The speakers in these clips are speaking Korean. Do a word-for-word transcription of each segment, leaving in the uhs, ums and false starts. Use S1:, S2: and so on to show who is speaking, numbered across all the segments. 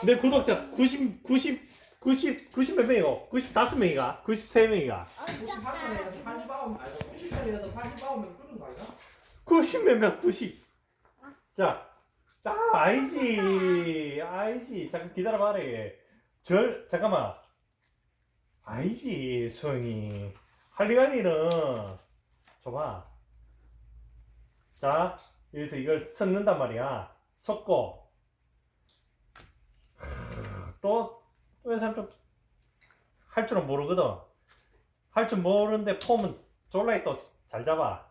S1: 내 구독자 구십, 구십, 구십, 구십 몇 명이고? 구십오 명이가? 구십삼 명이가?
S2: 구십팔 명에서 팔십구 명 아니 구십 명에서 팔십구 명 그런 거 아니야?
S1: 구십 몇 명, 구십. 자, 아, 아니지. 아니지. 잠깐 기다려봐라. 절, 잠깐만. 아니지, 수영이. 할리갈리는, 줘봐. 자, 여기서 이걸 섞는단 말이야. 섞고. 또, 또 사람 좀, 할 줄은 모르거든. 할 줄 모르는데 폼은 졸라이 또 잘 잡아.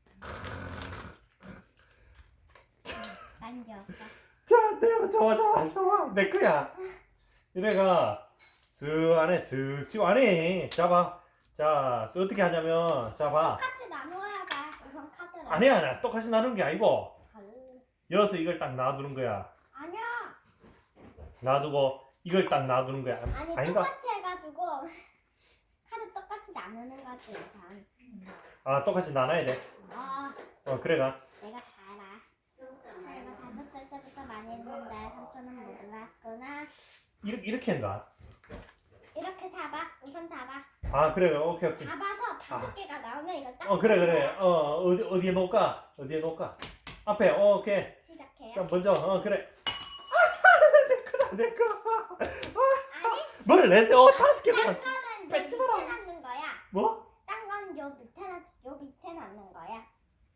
S3: 남겨.
S1: 자, 내, 좋아, 좋아, 좋아. 내 거야. 이래가, 쓱 안에, 쓱 지금 안에. 잡아. 자, 어떻게 하냐면, 잡아.
S3: 똑같이 나눠야 돼. 우선 카드를.
S1: 아니야, 아니야. 똑같이 나누는 게 아니고,
S3: 헐.
S1: 여기서 이걸 딱 놔두는 거야.
S3: 아니야.
S1: 놔두고, 이걸 딱 놔두는 거야.
S3: 아니
S1: 아닌가?
S3: 똑같이 해가지고 카드 똑같이 나누는 거지 우선.
S1: 아, 똑같이 나눠야 돼.
S3: 어,
S1: 어, 그래가.
S3: 내가 다 알아. 내가 다섯 살 때부터 많이 했는데 삼촌은 몰랐구나.
S1: 이렇게, 이렇게 한다.
S3: 이렇게 잡아. 우선 잡아.
S1: 아, 그래. 오케이, 오케이.
S3: 잡아서 다섯
S1: 아.
S3: 개가 나오면 이걸 딱.
S1: 어, 그래, 그래.
S3: 잡아야
S1: 어, 어디, 어디에 놓을까? 어디에 놓을까? 앞에, 어, 오케이.
S3: 시작해요.
S1: 자, 먼저, 어, 그래. 아, 내 거다, 내 거.
S3: 아니,
S1: 뭘, 내, 어, 다섯 개.
S3: 딴
S1: 만
S3: 거는 요
S1: 뺏지
S3: 밑에
S1: 마라.
S3: 놨는 거야.
S1: 뭐?
S3: 딴 건 요 밑에 놨, 요 밑에 놨는 거야.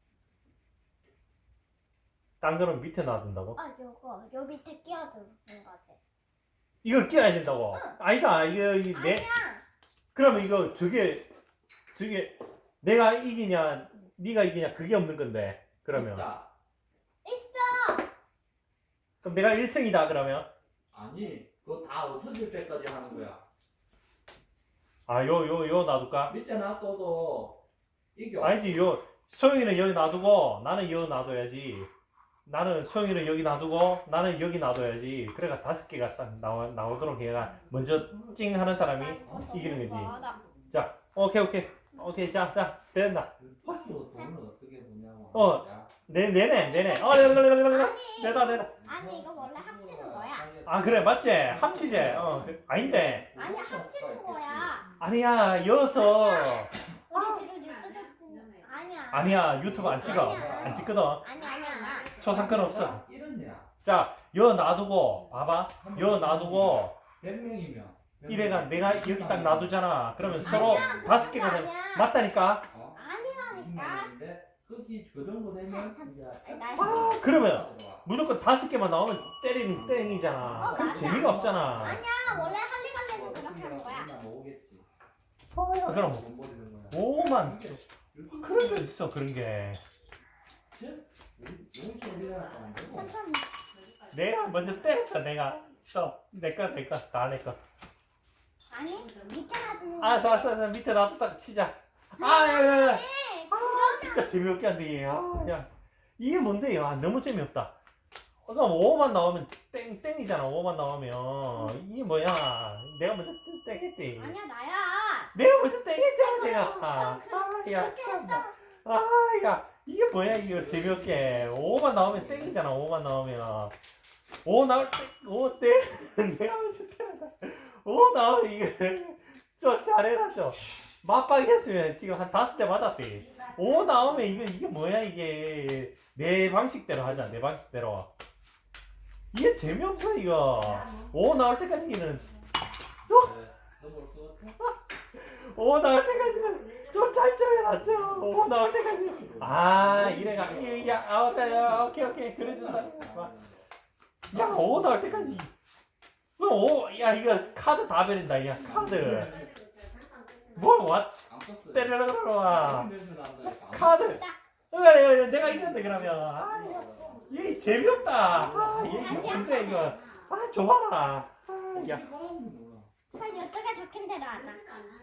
S1: 딴 거는 밑에 놔둔다고?
S3: 어, 요거 요 밑에 끼워두는 거지.
S1: 이걸 끼워야 된다고?
S3: 응.
S1: 아니다, 이거, 이 내,
S3: 아니야.
S1: 그러면 이거, 저게, 저게, 내가 이기냐, 네가 이기냐, 그게 없는 건데. 그러면.
S2: 있다.
S3: 있어.
S1: 그럼 내가 일 승이다, 그러면.
S2: 아니 그거 다 없어질 때까지 하는 거야.
S1: 아, 요, 요, 요 놔둘까?
S2: 밑에 놔둬도 이겨.
S1: 아니지, 요, 소영이는 여기 놔두고, 나는 여기 놔둬야지. 나는 소영이는 여기 놔두고, 나는 여기 놔둬야지. 그래가 다섯 개가 딱 나오, 나오도록 얘가 먼저 찡 하는 사람이.
S3: 나 이거 너무
S1: 이기는 거지.
S3: 멀어.
S1: 자, 오케이, 오케이. 오케이, 자, 자, 된다.
S2: 파티로 돈을 어떻게 보냐고.
S1: 어.
S2: 야.
S1: 내, 내네, 내네. 어, 내다, 내다, 내다.
S3: 아니,
S1: 내다, 내다.
S3: 아니 이거 원래 합치는 거야.
S1: 아, 그래, 맞지? 합치지? 어, 그- 아닌데.
S3: 아니 합치는 거야.
S1: 아니야, 여서.
S3: 우리 지금 유튜브 아니야.
S1: 아니야, 유튜브 안 찍어.
S3: 아니야.
S1: 안 찍거든.
S3: 아니 아니야.
S1: 초상권 없어.
S2: 이러냐?
S1: 자, 여 놔두고, 봐봐. 여 놔두고,
S2: 백 명이면.
S1: 이래가 내가 여기 딱 놔두잖아. 그러면 서로
S3: 아니야,
S1: 다섯
S3: 그런
S1: 개가
S3: 거
S1: 되면
S3: 아니야.
S1: 맞다니까.
S2: 어?
S3: 아니라니까.
S2: 인데 거기 그 정도 되면 이제
S3: 나
S1: 아, 그러면 무조건 다섯 개만 나오면 때리는 땡이잖아.
S3: 어,
S1: 그럼
S3: 맞아.
S1: 재미가 없잖아.
S3: 아니야 원래 할리갈리는 그렇게 하는 거야.
S2: 모으겠지.
S1: 어, 야, 그럼
S2: 돈 버리는 거야.
S1: 오만
S2: 이게
S1: 그런 게 있어, 그런 게.
S2: 용돈 일어났다 안 되고.
S3: 천천히.
S1: 내가 먼저 때렸다, 내가. 또, 내 거, 내 거, 다 내 거.
S3: 아니 밑에 놔두는
S1: 아,
S3: 거야.
S1: 자, 자, 자, 밑에 놔뒀다 치자. 아, 야, 야, 야.
S3: 네,
S1: 아, 진짜 재미없게 한데, 아, 야. 이게 뭔데, 아, 너무 재미없다. 어, 그럼 오만 나오면 땡, 땡이잖아, 오만 나오면. 이게 뭐야. 내가 먼저 땡했대.
S3: 아니야 나야.
S1: 내가 먼저 땡했잖아, 내가.
S3: 그럼,
S1: 아,
S3: 그럼
S1: 아, 야,
S3: 그렇게
S1: 참나. 아, 야, 이게 뭐야, 이거 재미없게. 오만 나오면 땡이잖아, 오만 나오면. 오 나올 때, 오 땡. 내가 먼저 땡한다. 오 나오면 이거. 좀 잘해라, 좀. 맞박이 했으면 지금 한 다섯 대 맞았대. 오 나오면 이거, 이게 뭐야, 이게. 내 방식대로 하자, 내 방식대로. 이게 재미없어, 이거. 오 나올 때까지는,
S2: 너볼것 같아?
S1: 오 나올 때까지는 좀 잘 좀 해라, 좀. 오 나올 때까지. 아, 이래가. 이, 야, 아, 오케이, 야, 오케이, 오케이. 그래준다. 야, 오 나올 때까지. 그럼 오, 야, 이거 카드 다 버린다, 야, 카드. 뭘, 와,
S2: 안 썼어요.
S1: 때려라, 와.
S2: 냄새 난다니까.
S1: 카드. 어, 야, 내가 이겼네, 그러면. 아, 얘 재미없다. 아, 얘 이거 뭔데, 이거. 아, 줘봐라. 아, 야.
S2: 어떻게 말하는지 몰라.
S3: 설 이쪽에 적힌 대로 하자.